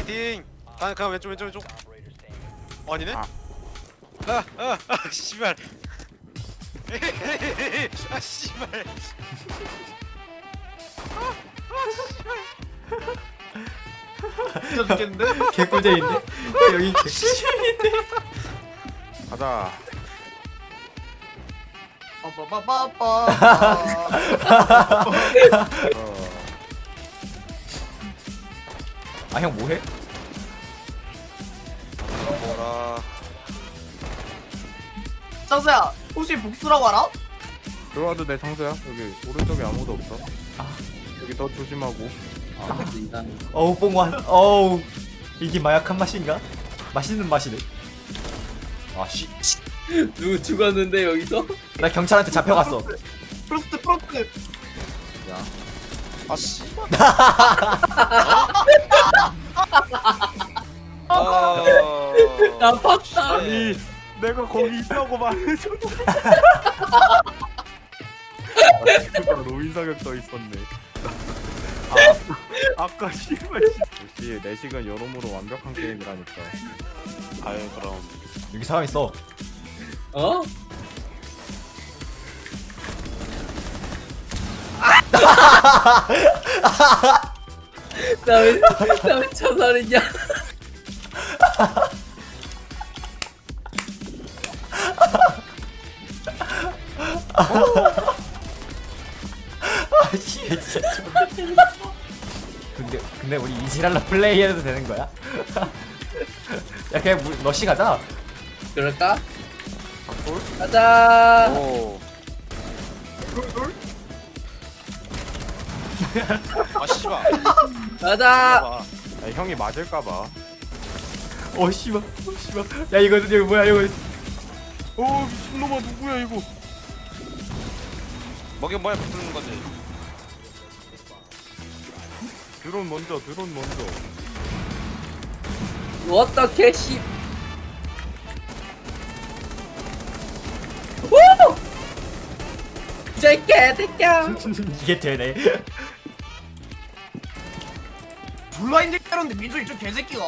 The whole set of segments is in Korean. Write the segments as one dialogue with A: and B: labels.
A: 파이팅. 가 왼쪽. 아니네?
B: 아.
A: 씨발. 아 씨발.
C: 진짜 죽겠는데?
D: 개꿀잼인데? 여기 개꿀잼인데?
B: 가자.
C: 빠빠빠빠빠.
D: 아 형 뭐해?
A: 뭐라.
C: 창수야, 혹시 복수라고 알아?
B: 들어와도 돼, 창수야. 여기 오른쪽에 아무도 없어. 여기 더 조심하고.
D: 어우 뽕완 어우 이게 마약한 맛인가? 맛있는 맛이네. 아씨
E: 누구 죽었는데 여기서?
D: 나 경찰한테 잡혀갔어.
C: 프로스트.
A: 아 씨발.
E: 아팠다.
B: 아니, 내가 거기 있다고 말해줘. 노인 사격 떠 있었네. 아까 씨발. 역시 내식은 여러모로 완벽한 게임이라니까.
A: 아유 그럼.
D: 여기 사람 있어.
E: 어? 나왜 자살했냐?
D: 아씨 진짜 근데 우리 이지랄로 플레이해도 되는 거야? 야 그냥 러시 가자.
E: 그럴까?
B: 박돌?
E: 가자.
A: 오.
C: 돌.
A: 아 씨발.
E: 가자.
A: 봐봐.
B: 아니, 형이 맞을까봐.
D: 어 씨발 야 이거 뭐야 이거.
B: 미친놈아, 누구야 이거?
A: 먹인 뭐야 붙는 거지.
B: 드론 먼저.
E: 어떻게 씨? 오! 새끼야.
D: 이게 되네.
C: 블라인드 때렸는데 민준이 좀 개새끼가.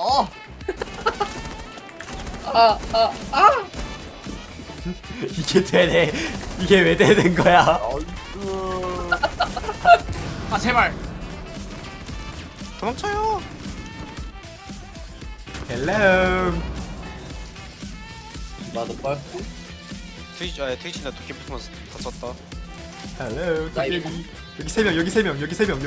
D: 이게 되네. 이게 왜 되는 거야?
C: 아 제발.
A: 도망쳐요.
D: 헬로.
E: 나도 빨고.
A: 트위치 나 도끼 붙으면서 다쳤다.
D: 헬로. 도깨비. 여기 세 명. 여기 세 명.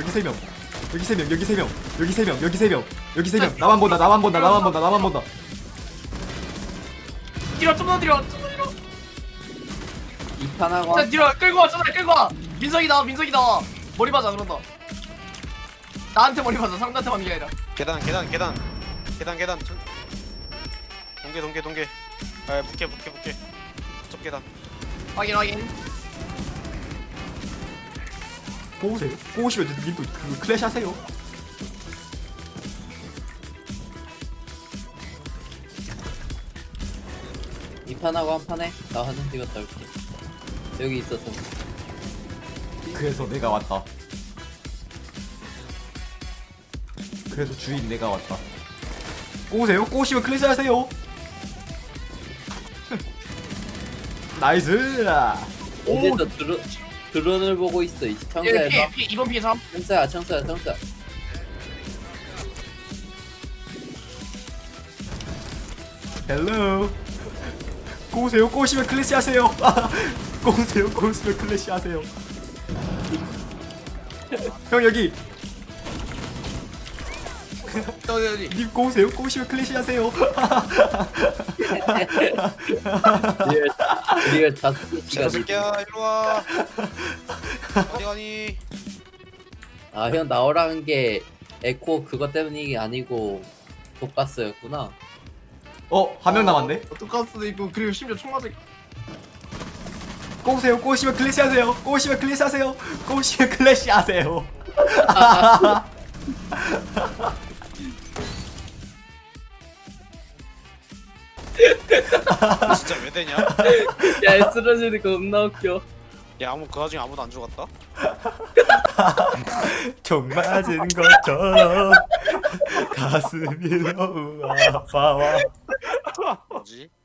D: 나만 본다.
C: 뒤로 좀더 뒤로.
E: 이판하고
C: 자 뒤로 끌고 와. 민석이다. 머리 맞아 그런다. 나한테 머리 맞아. 상대한테 맞는 게 아니라.
A: 계단. 동계. 아 붙게. 저 계단.
C: 확인.
D: 꼬우시면 님도 그 클래시 하세요.
E: 이판하고 한 판에 나 화장실 갔다 올게. 여기 있었어.
D: 그래서 내가 왔다. 그래서 주인 내가 왔다. 꼬우시면 클래시 하세요. 나이스.
E: 어디서 드론을 보고 있어. 이 청소야.
C: 피해 2번 피해 3.
E: 청소야.
D: 헬로. 꼬우시면 클래시 하세요. 꼬우시면 클래시 하세요. 형 여기.
C: 여기.
D: 님 꼬우시면 클래시 하세요.
E: 리얼 다섯
A: 저
E: 시간.
A: 새끼야 일로 와. 어디 가니?
E: 아, 형 나오라는 게 에코 그것 때문이 아니고 독가스였구나.
D: 한 명 남았네.
C: 독가스도 있고 그리고 심지어 총 맞을.
D: 꼬우시면 클래시 하세요. 꼬우시면 클래시 하세요.
A: 진짜 왜 되냐?
E: 야, 쓰러지는 거 겁나 웃겨.
A: 야 그 와중에 아무도 안 죽었다?
D: 총 맞은 것처럼 가슴이 너무 아파와.
A: 뭐지?